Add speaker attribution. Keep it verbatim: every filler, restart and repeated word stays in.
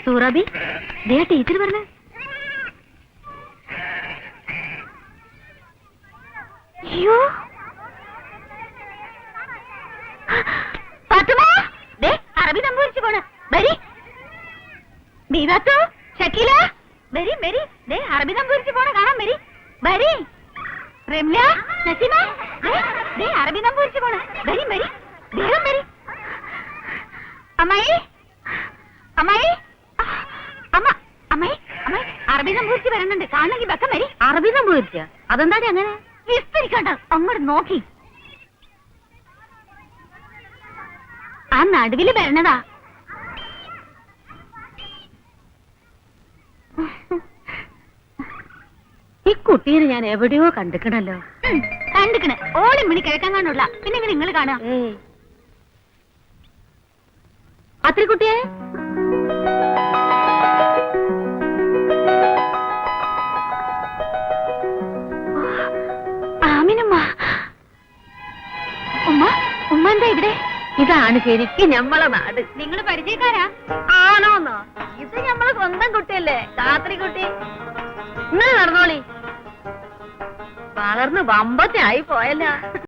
Speaker 1: സൂറാബി ദേ teacher പറഞ്ഞു. അയ്യോ ഫാത്തിമ, ദേ അറബി സംഭവിച്ചു പോണ്. വരി ബീവാത്തോ, ഷക്കീല, വരി വരി, ദേ അറബി സംഭവിച്ചു പോണ കാണാൻ വരി. വരി റംല, നസീമ, ദേ ദേ അറബി സംഭവിച്ചു പോണ. വരി വരി, വേഗം വരി. അമ്മായി അമ്മായി അമ്മ അമ്മായി അമ്മായി, അറബി സംഭവിച്ച് വരണുണ്ട്. കാണണമെങ്കിൽ ബക്കം വരി. അറബി സംഭവിച്ച അതെന്താ അങ്ങനെ വിസ്തരിക്കണ്ട, അങ്ങോട്ട് നോക്കി. ആ നടുവില് വരണതാ. ഈ കുട്ടീനെ ഞാൻ എവിടെയോ കണ്ടിക്കണല്ലോ. കണ്ടിക്കണ്, ഓളി മണി കിഴക്കാൻ കാണുള്ള. പിന്നെ ഇങ്ങനെ നിങ്ങൾ കാണാ അത്ര കുട്ടിയെ. ആമിനുമ്മ, ഉമ്മ ഉമ്മ എന്താ ഇവിടെ? ഇതാണ് ശരിക്കും ഞമ്മളെ നാട്. നിങ്ങൾ പരിചയക്കാരാ? ആണോന്നോ? ഇത് ഞമ്മളെ സ്വന്തം കുട്ടിയല്ലേ, രാത്രി കുട്ടി. ഇങ്ങനെ നടന്നോളി, വളർന്ന് വമ്പത്തെ ആയി പോയല്ല.